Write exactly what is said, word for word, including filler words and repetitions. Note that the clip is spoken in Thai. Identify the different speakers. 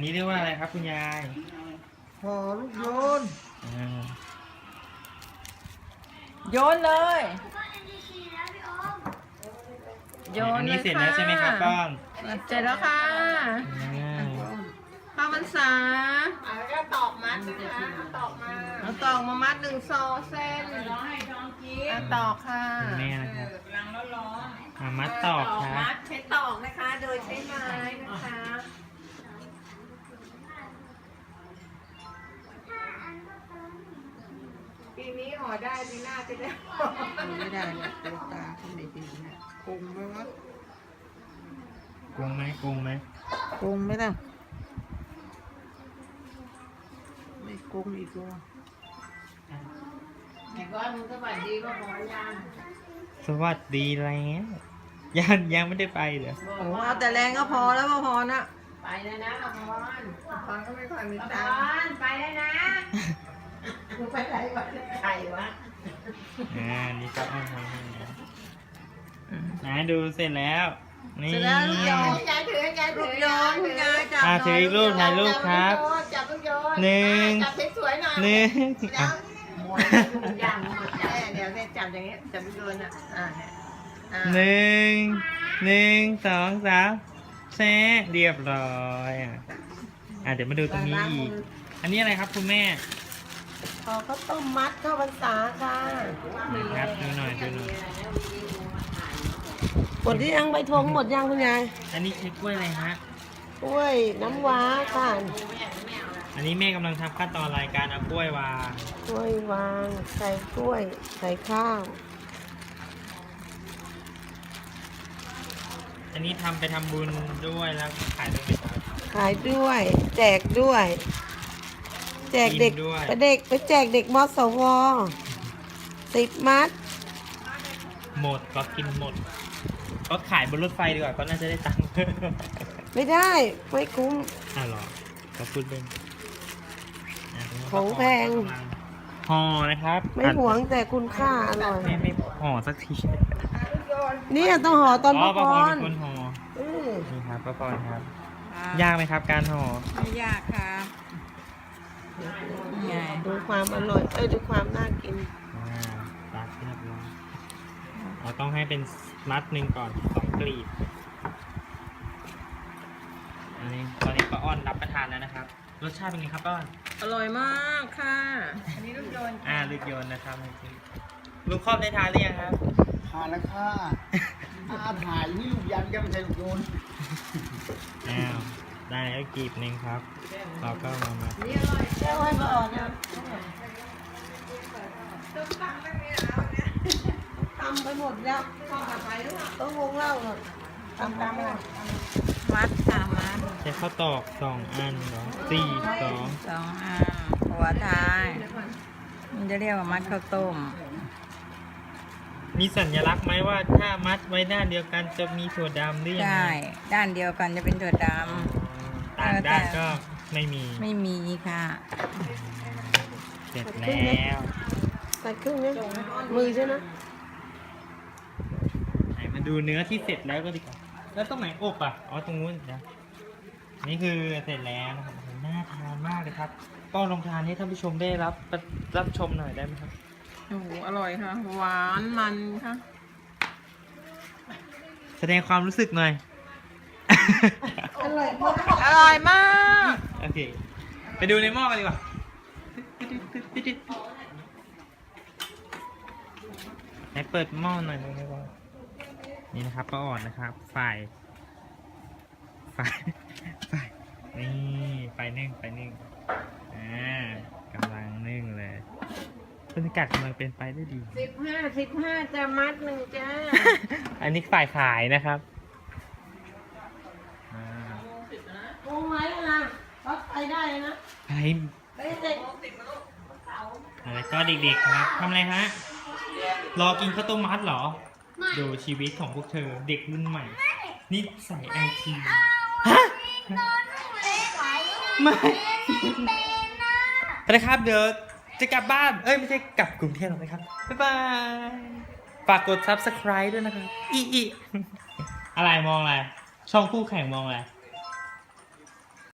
Speaker 1: นี้เรียกว่าอะไรครับคุณยาย
Speaker 2: ห่อลูกโยน
Speaker 3: โยนเลยโยน
Speaker 1: อันนี้
Speaker 3: เลย
Speaker 1: เสร็จแล้วใช่ไหมครับป้อน
Speaker 3: เสร็จแล้วค่ะข้าวมันสา
Speaker 4: แล้วก็ตอกมัดนะคะตอกมา
Speaker 3: เอาตอกมามัดหนึ่งซอเส้น
Speaker 4: ร้องให้ท้องกิน
Speaker 3: เอาตอกค่ะ
Speaker 1: คุณแม่นะครับ
Speaker 4: รังแล้วร้อน
Speaker 1: มามัดตอกครับ
Speaker 4: มัดใช้ตอกนะคะ โดยใช้ไม้นะคะ ปีนี้ห่อได้ปีหน้าจะได้ห่อ
Speaker 2: ไม่ได้เนี่ยตัวตาที่ไม่ดีเนี่ยคงไหมวะ
Speaker 1: กงไหมกงไหม
Speaker 2: คงไหมล่ะไม่คงอีกตัว
Speaker 4: ไอ้ก้อนมึงสวัสดีก็พอยัง
Speaker 1: สวัสดีแล้วยังยังไม่ได้ไปเหรอ
Speaker 3: โอ้เอาแต่แรงก็พอแล้วพอนะ
Speaker 4: ไปแล้วนะอภร
Speaker 3: พอก็ไม่ค่อยมี
Speaker 4: อภ
Speaker 3: ตังค์
Speaker 4: รไปแล้วนะมึงไปไหนวะใครวะ
Speaker 1: อ่านี่ก็อ้อนทำให้นะนะดูเสร็จแล้วนี่
Speaker 3: เสร็จแล้วลูกโยน
Speaker 4: ยายถือยายถื
Speaker 3: ลู
Speaker 4: อก
Speaker 3: โยนคุณยายจับ
Speaker 1: อ่า
Speaker 3: หน่
Speaker 1: ถือ
Speaker 3: อย
Speaker 1: อีกรูปถ่ายรูปครับ
Speaker 4: จับลูกโยน
Speaker 1: หนึ่ง
Speaker 4: จับสวยๆหน่อย
Speaker 1: หนึ่ง
Speaker 4: แล้
Speaker 1: อ่ะ
Speaker 4: วอย่างหมดอย่าง
Speaker 3: เดี๋ยวเนี่ยจับอย่างเงี้ยจับลูกโยนอ่ะอ่าเนี่ยอ่า
Speaker 1: หนึ่งหนึ่งสองสามแซ่เรียบร้อยอ่ะอ่ะเดี๋ยวมาดูตรงนี้อีก อันนี้อะไรครับคุณแม่
Speaker 3: พอเขาต้มมัดข้าวพรรษาค่ะ
Speaker 1: นะครับดูหน่อยดูหน่อย
Speaker 3: หมดที่ยังใบทงหมดยังคุณยาย
Speaker 1: อันนี้ใช้กล้วยอะไรฮะ
Speaker 3: กล้วยน้ำว้าค่ะ
Speaker 1: อันนี้แม่กำลังทำขั้นตอนรายการเอากล้วยวาง
Speaker 3: กล้วยวางใส่กล้วย ใส่ข้าว
Speaker 1: อันนี้ทำไปทำบุญด้วยแล้วขายด้วยไหมครับ
Speaker 3: ขายด้วย แจกด้วย แจกเด็ก
Speaker 1: กินด้วย
Speaker 3: ไปเด็กไปแจกเด็กมสวสิบมัด
Speaker 1: หมดก็กินหมด ก็ขายบนรถไฟดีกว่าก็น่าจะได้ตังค์
Speaker 3: ไม่ได้ ไม่คุ้ม
Speaker 1: อ่ะหรอก็พูดเล่นอ่ะ
Speaker 3: ของแพง
Speaker 1: ห่อนะครับ
Speaker 3: ไม่หวงแต่คุณค่าอร่อย
Speaker 1: ไม่ไม่ห่อสักที
Speaker 3: เนี่ยต้องห่อตอน
Speaker 1: อ๋
Speaker 3: พ
Speaker 1: อ
Speaker 3: ระ
Speaker 1: ป้า
Speaker 3: พ
Speaker 1: พร
Speaker 3: ร
Speaker 1: เป็นคนห่อ
Speaker 3: อืม
Speaker 1: นี่ครับป้าพรครับ ยากไหมครับการห่อ
Speaker 4: ไม่ยากครับไง
Speaker 3: ดูความอร่อย เอ้ยดูความน่ากิน
Speaker 1: อ่าตัดเรียบร้อยเราต้องให้เป็นมัดหนึ่งก่อนสองกลีบอันนี้ตอนนี้ป้าอ้อนรับประทานแล้วนะครับ รสชาติเป็นไงครับป้าอ้อน
Speaker 3: อร่อยมากค่ะ
Speaker 4: อันนี้ลูกโยน
Speaker 1: อ่าลูกโยนนะครับลูกครอบได้ทานหรือยังครับ
Speaker 2: ทานแล้วค่ะอาถ่ายนี่ลูกยันก็ไม่ใช่ลูกโยน
Speaker 1: อ้าวได้แล้วกลีบหนึ่งครับ เราก็มามา
Speaker 4: นี่อร่อย
Speaker 3: แก้วให้มาอ่อนนะ
Speaker 4: ต้มตำไม่มีแล้วเนี่ย
Speaker 3: ตำไปหมดแล้ว
Speaker 4: ข้าวผัดไทยหรือเปล่า
Speaker 3: ต้องวงเล่าหน่อยตำตำเลย
Speaker 4: มัดค่ะมัด
Speaker 1: ใช้ข้าวตอกสองอันเหรอสี่สอง
Speaker 4: สองอ่าหัวท้ายมันจะเรียกว่ามัดข้าวต้ม
Speaker 1: มีสัญลักษณ์ไหมว่าถ้ามัดไว้ด้านเดียวกันจะมีถั่วดำหรือยัง
Speaker 4: ใช่
Speaker 1: ไง
Speaker 4: ด้านเดียวกันจะเป็นถั่วด
Speaker 1: ต่างด้านก็ไม่มี
Speaker 4: ำไม่มีค่ะ
Speaker 1: เสร็จแล้ว
Speaker 3: ใส่ครึ่งนี้มือใช่ไหม
Speaker 1: ไหนมาดูเนื้อที่เสร็จแล้วก็ดีกว่าแล้วตรงไหนอบอ่ะอ๋อตรงนู้นนะนี่คือเสร็จแล้วนะครับน่าทานมากเลยครับก็ลองทานให้ท่านผู้ชมได้รับรับชมหน่อยได้ไหมครับ
Speaker 3: โอ้โหอร่อยค่ะ หวานมันค่ะ
Speaker 1: แสดงความรู้สึกหน่อย
Speaker 3: อร่อยมากอร่อยมาก
Speaker 1: โอเค ไปดูในหม้อกันดีกว่าไหนเปิดหม้อหน่อยนะครับนี่นะครับป้าอ่อนนะครับฝ่ายฝ่ายฝ่ายนี่ไฟนึ่งไฟนึ่งอ่ากำลังนึ่งเลยบรรยากาศกำลังเป็นไปได้ดี
Speaker 3: สิบห้าสิบห้าจะมัดหนึ่งจ้า
Speaker 1: อันนี้ฝ่ายขายนะครับอ่า
Speaker 3: โอ้ไหมล่ะก็ไปได้นะ
Speaker 1: อะไร
Speaker 3: ไปเด็ก
Speaker 1: อะไรก็เด็กๆครับทำอะไรฮะ รอกินข้าวต้มมัดเหรอ ดูชีวิตของพวกเธอเด็กรุ่นใหม่ นี่ใส่ไอทีฮะไม่ไปนะครับเดี๋ยวจะกลับบ้าน เอ้ยไม่ใช่กลับกรุงเทพหรอกนะครับ บ๊ายบาย ฝากกด ซับสไครบ์ ด้วยนะครับ อีอีอะไรมองอะไร ช่องคู่แข่งมองอะไร